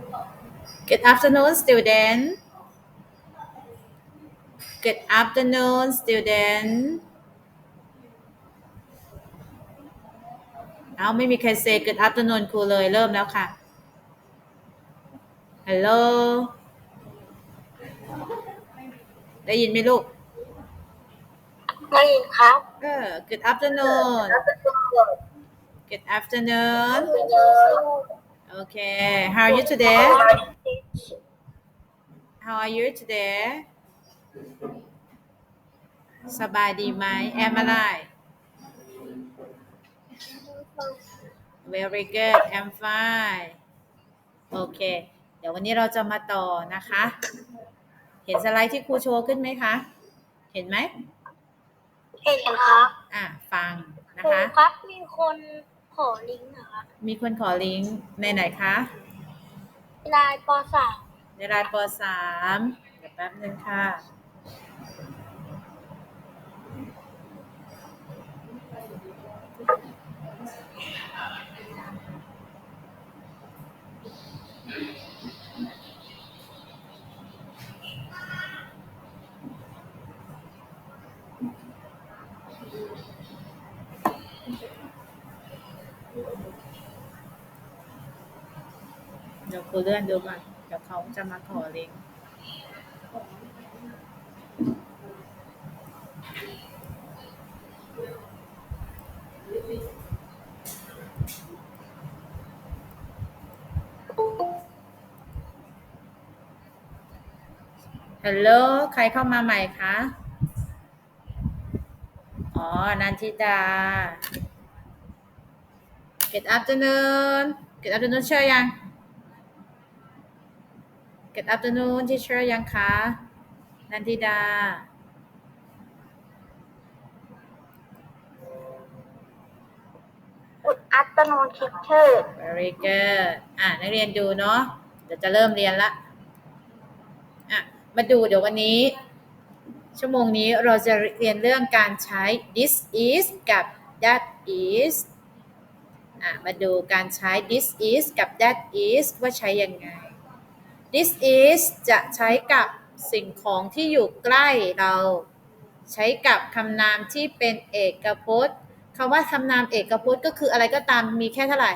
Good afternoon, student. Good afternoon, student. เอาไม่มีใคร say good afternoon ครูเลยเริ่มแล้วค่ะ Hello ได้ยินไหมลูกได้ยินครับ Good afternoon. Good afternoon. Okay. How are you today? How are you today? สบายดีไหม Am I right? Very good. I'm fine. โอเค เดี๋ยววันนี้เราจะมาต่อนะคะ เห็นสไลด์ที่ครูโชว์ขึ้นไหมคะ เห็นไหมเห็นครับฟังนะคะครับมีคนขอลิงก์นะคะมีคนขอลิงก์ในไหนคะไลน์ป.3 ในไลน์ป.3เดี๋ยวแป๊บนึงค่ะเดี๋ยวครูเลื่อนดูก่อนเดี๋ยวเขาจะมาขอลิงก์ฮัลโหลใครเข้ามาใหม่คะอ๋อนันทิดา Good afternoon Good afternoon เชื่อยัง Good afternoon ที่เชื่อยังคะนันทิดา Good afternoon teacher Very good นักเรียนดูเนาะเดี๋ยวจะเริ่มเรียนละมาดูเดี๋ยววันนี้ชั่วโมงนี้เราจะเรียนเรื่องการใช้ this is กับ that is มาดูการใช้ this is กับ that is ว่าใช้ยังไง this is จะใช้กับสิ่งของที่อยู่ใกล้เราใช้กับคำนามที่เป็นเอกพจน์คำว่าคำนามเอกพจน์ก็คืออะไรก็ตามมีแค่เท่าไหร่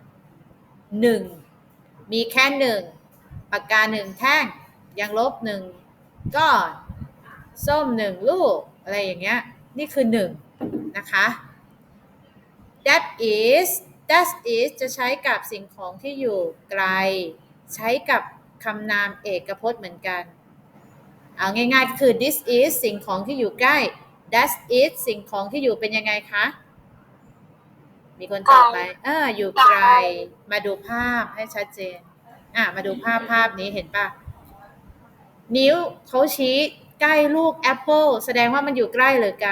1มีแค่1ปากกา1แท่งยางลบ1ก้อนส้ม1ลูกอะไรอย่างเงี้ยนี่คือ1นะคะ that is จะใช้กับสิ่งของที่อยู่ไกลใช้กับคำนามเอกพจน์เหมือนกันเอาง่ายๆก็คือ this is สิ่งของที่อยู่ใกล้ that is สิ่งของที่อยู่เป็นยังไงคะมีคนตอบไหมอยู่ไกลมาดูภาพให้ชัดเจนมาดูภาพนี้เห็นป่ะนิ้วเขาชี้ใกล้ลูกแอปเปิลแสดงว่ามันอยู่ใกล้หรือไกล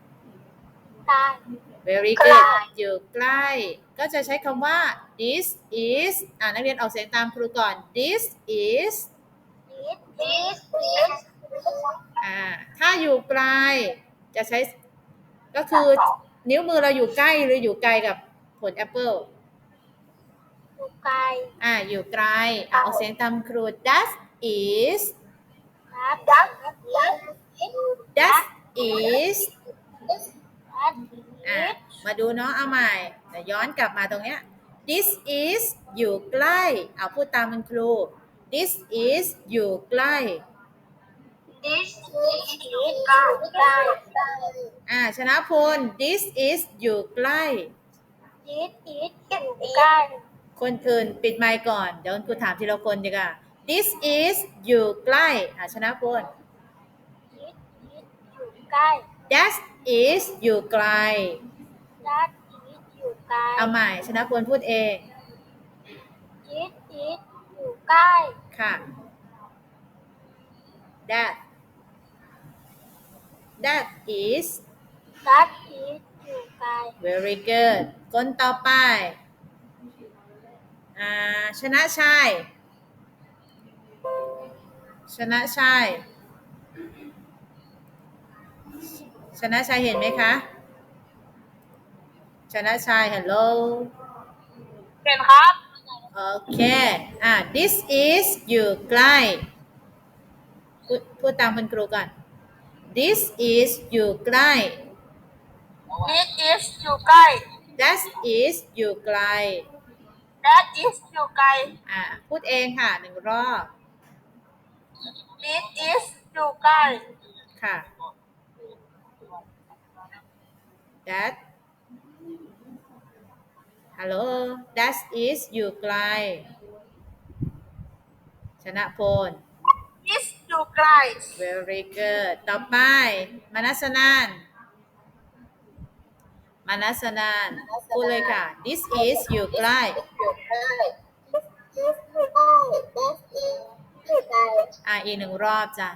Very good อยู่ใกล้ก็จะใช้คำว่า this is นักเรียนออกเสียงตามครูก่อน this is ถ้าอยู่ไกลจะใช้ก็คือนิ้วมือเราอยู่ใกล้หรืออยู่ไกลกับผลแอปเปิลอยู่ไกลอยู่ไกลออกเสียงตามครู that isมาดูเนาะเอาใหม่แต่ย้อนกลับมาตรงเนี้ย this is อยู่ใกล้เอาพูดตามคุณครู this is อยู่ใกล้ This is อยู่ใกล้ชนะพล this is อยู่ใกล้ This is อยู่ใกล้คนอื่นปิดไมค์ก่อนเดี๋ยวครูถามทีละคนดีกว่า this is อยู่ใกล้ชนะพล This is อยู่ใกล้ that is อยู่ไกล That is อยู่ไกลเอาใหม่ชนะพลพูดเอง This is อยู่ใกล้ค่ะ that is อยู่ไกล very good คนต่อไปชนะชัยเห็นไหมคะชนะชัย hello เห็นครับโอเคthis is อยู่ใกล้พูดตามคุณครูก่อน this is อยู่ใกล้ This is อยู่ใกล้ that is อยู่ไกล That is อยู่ไกลพูดเองค่ะหนึ่งรอบ This is อยู่ใกล้ค่ะ that hello that is อยู่ไกลชนะพล This อยู่ไกล very good ต่อไปมนัสนันพูดเลยค่ะ this is อยู่ใกล้ This อยู่ใกล้ That is อยู่ไกลอีกหนึ่งรอบจ้ะ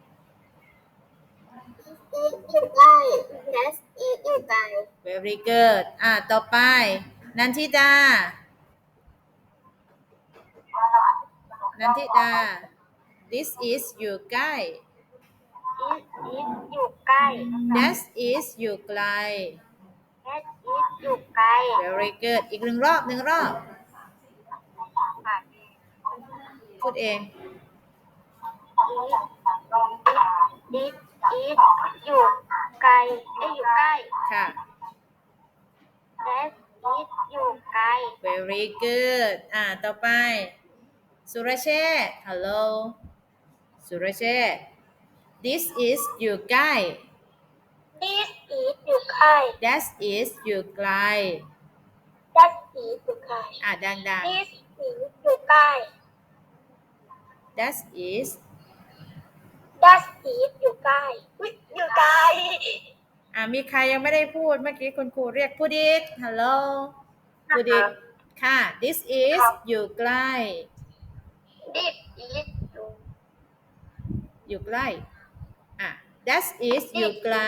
This is อยู่ใกล้ That is อยู่ไกล very good ต่อไปนันทิดา this is อยู่ใกล้ This is อยู่ใกล้ that is อยู่ไกล That is อยู่ไกล very good อีกหนึ่งรอบพูดเอง This is อยู่ไกลอยู่ใกล้ค่ะ That is อยู่ไกล very good ต่อไปสุรเชษฐ์ hello สุรเชษฐ์ this is อยู่ใกล้ This is อยู่ใกล้ that is อยู่ไกล That is อยู่ไกลดัง This is อยู่ใกล้ๆ that is That is อยู่ใกล้อยู่ไกลมีใครยังไม่ได้พูดเมื่อกี้คุณครูเรียกพูดอีก hello พูดอีกค่ะ this is อยู่ใกล้ This is อยู่ใกล้that is อยู่ไกล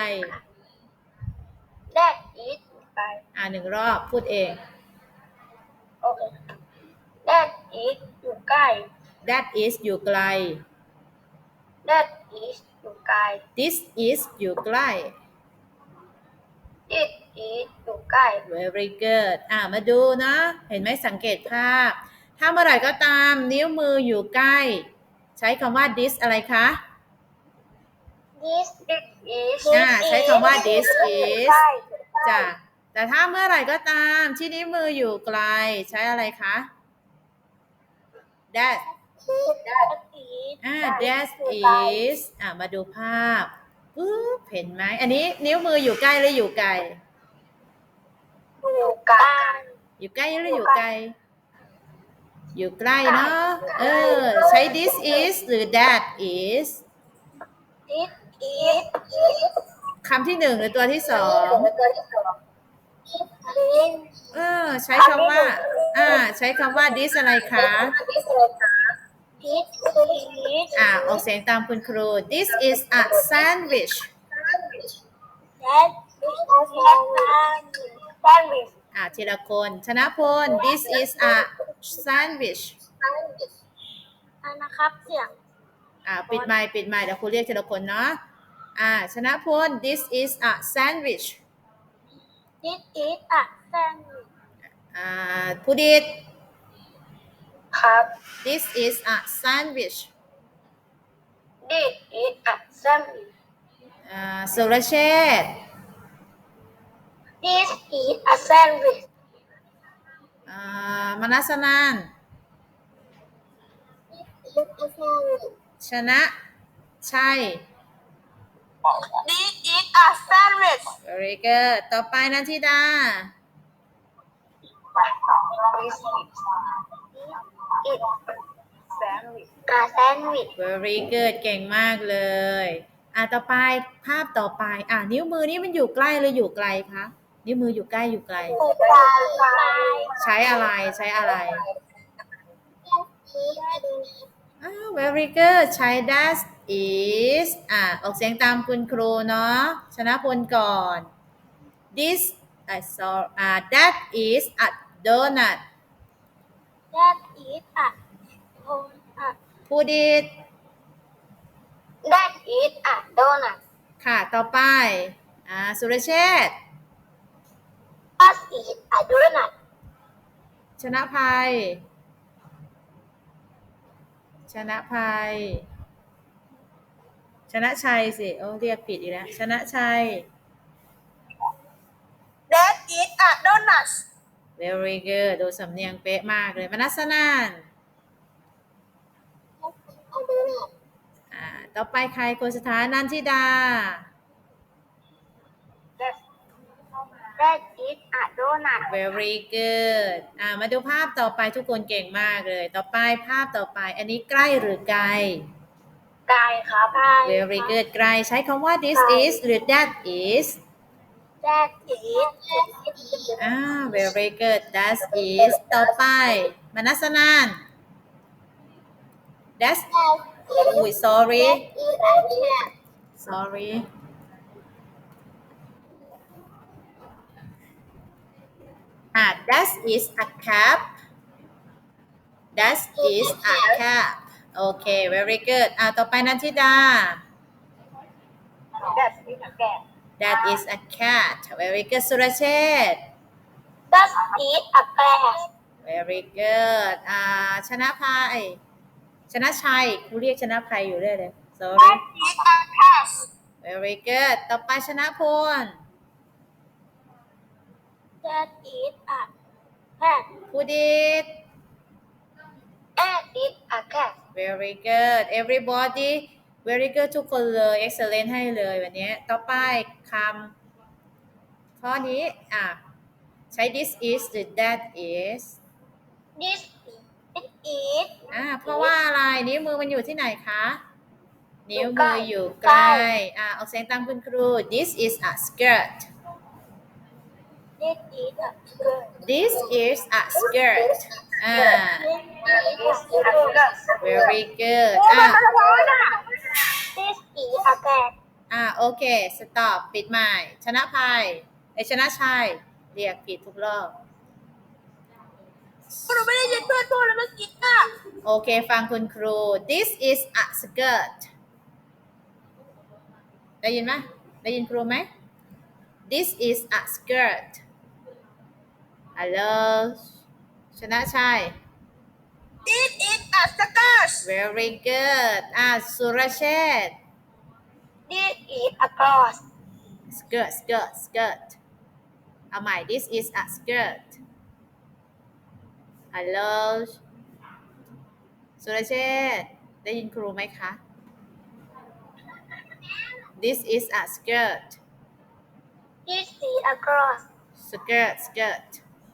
That is อยู่ไกลหนึ่งรอบพูดเองโอเค That is อยู่ใกล้ that is อยู่ไกล That is อยู่ไกล this is อยู่ใกล้ This is อยู่ใกล้ very good มาดูนะเห็นไหมสังเกตภาพ ถ้าเมื่อไหร่ก็ตามนิ้วมืออยู่ใกล้ ใช้คำว่า this อะไรคะ This is ใช้คำว่า this is จ้ะแต่ถ้าเมื่อไหร่ก็ตามที่นิ้วมืออยู่ไกล ใช้อะไรคะ that that is มาดูภาพปุ๊บเห็นไหมอันนี้นิ้วมืออยู่ใกล้หรืออยู่ไกลอยู่กลางอยู่ใกล้หรืออยู่ไกล อยู่ใกล้เนาะใช้ this is หรือ that is This is คำที่หนึ่งหรือตัวที่สอง ใช้คำว่าใช้คำว่า this อะไรคะ This is ออกเสียงตามคุณครู this is a sandwich That is a sandwich ทีละคนชนะพล this is a sandwich นะครับเสียงปิดไมค์เดี๋ยวครูเรียกทีละคนเนาะชนะพล this is a sandwich This is a sandwich ผู้ดิดครับ this is a sandwich This is a sandwich สุรเชษฐ์ This is a sandwich มนัสนัน This is a sandwich ชนะชัย This is a sandwich very good ต่อไปนันทิดา This is sandwich a sandwich very good เก่งมากเลยต่อไปภาพต่อไปนิ้วมือนี้มันอยู่ใกล้หรืออยู่ไกลคะนิ้วมืออยู่ใกล้อยู่ไกล ใช้อะไรvery good ใช้ that is ออกเสียงตามคุณครูเนาะชนะพลก่อน this that is a donut That is a donut พูดดิด That is a donut ค่ะต่อไปสุรเชษฐ์ That is a donut ชนะภัยชนะภัย ชนะชัยสิโอ้เรียกผิดอีกแล้วชนะชัย That is a donut very good ดูสำเนียงเป๊ะมากเลยมนัสนานต่อไปใครคนสุดท้ายนันทิดา That is a donut very good มาดูภาพต่อไปทุกคนเก่งมากเลยต่อไปภาพต่อไปอันนี้ใกล้หรือไกลไก่ครับ very good ไกลใช้คำว่า this is หรือ that is That is very good that is ต่อไปมนัสนาน that's อุ้ย sorry sorry that is a cap that is a cap โอเค very good ต่อไปนันทิดา That is a cat that is a cat very good สุรเชษฐ์ That is a glass very good ชนะภัยชนะชัยครูเรียกชนะภัยอยู่เรื่อยเลย sorry That is a cat very good ต่อไปชนะพล That is a cat ภูดิษฐ์ That is a cat very good everybody very good ทุกคนเลย excellent ให้เลยวันนี้ต่อไปคำข้อนี้ใช้ this is หรือ that is This is เพราะว่าอะไรนิ้วมือมันอยู่ที่ไหนคะนิ้วมืออยู่ใกล้ออกเสียงตามคุณครู this is a skirt This is a skirt this is a skirt This is a skirt very good This is a cat โอเค stop ปิดใหม่ชนะภัยชนะชัยเรียกผิดทุกรอบหนูไม่ได้ยินเพื่อนพูดแล้วเมื่อกี้ค่ะโอเคฟังคุณครู this is a skirt ได้ยินไหมได้ยินครูไหม this is a skirt hello ชนะชัย This is a skirt very good สุรเชษฐ์ This is a cross skirt skirt skirt เอาใหม่ this is a skirt hello สุรเชษฐ์ได้ยินครูไหมคะ this is a skirt This is a cross skirt skirt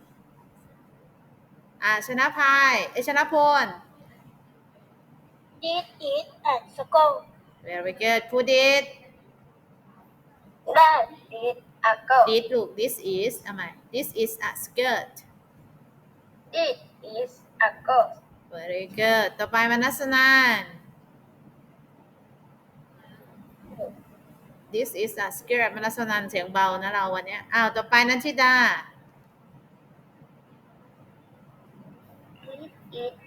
ชนะภัยชนะพล This is a skull very good ภูดิษฐ์ That is a girl ดิษลูก this is เอาใหม่ this is a skirt This is a girl very good ต่อไปมนัสนาน this is a skirt มนัสนานเสียงเบานะเราวันนี้ต่อไปนันทิดา This is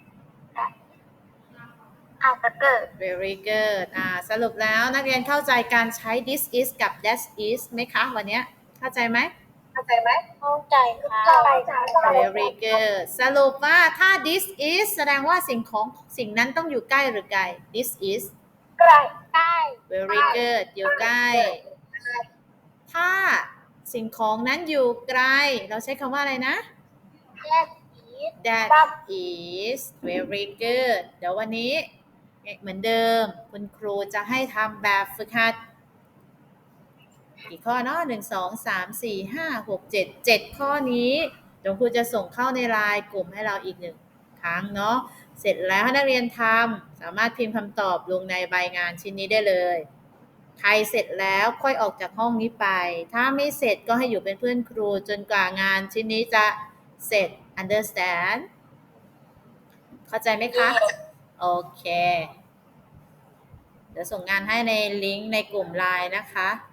a skirt very good สรุปแล้วนักเรียนเข้าใจการใช้ this is กับ that is ไหมคะวันนี้เข้าใจไหมเข้าใจไหมเข้าใจค่ะ very good สรุปว่าถ้า this is แสดงว่าสิ่งนั้นต้องอยู่ใกล้หรือไกล this is ใกล้ใกล้ very good อยู่ใกล้ถ้าสิ่งของนั้นอยู่ไกลเราใช้คำว่าอะไรนะ That is that is very good เดี๋ยววันนี้เหมือนเดิมคุณครูจะให้ทำแบบฝึกหัดกี่ข้อเนาะ1 2 3 4 5 6 7 7ข้อนี้เดี๋ยวครูจะส่งเข้าในไลน์กลุ่มให้เราอีก1ครั้งเนาะเสร็จแล้วให้นักเรียนทำสามารถพิมพ์คำตอบลงในใบงานชิ้นนี้ได้เลยใครเสร็จแล้วค่อยออกจากห้องนี้ไปถ้าไม่เสร็จก็ให้อยู่เป็นเพื่อนครูจนกว่างานชิ้นนี้จะเสร็จ understand เข้าใจไหมคะโอเคเดี๋ยวส่งงานให้ในลิงก์ในกลุ่มไลน์นะคะ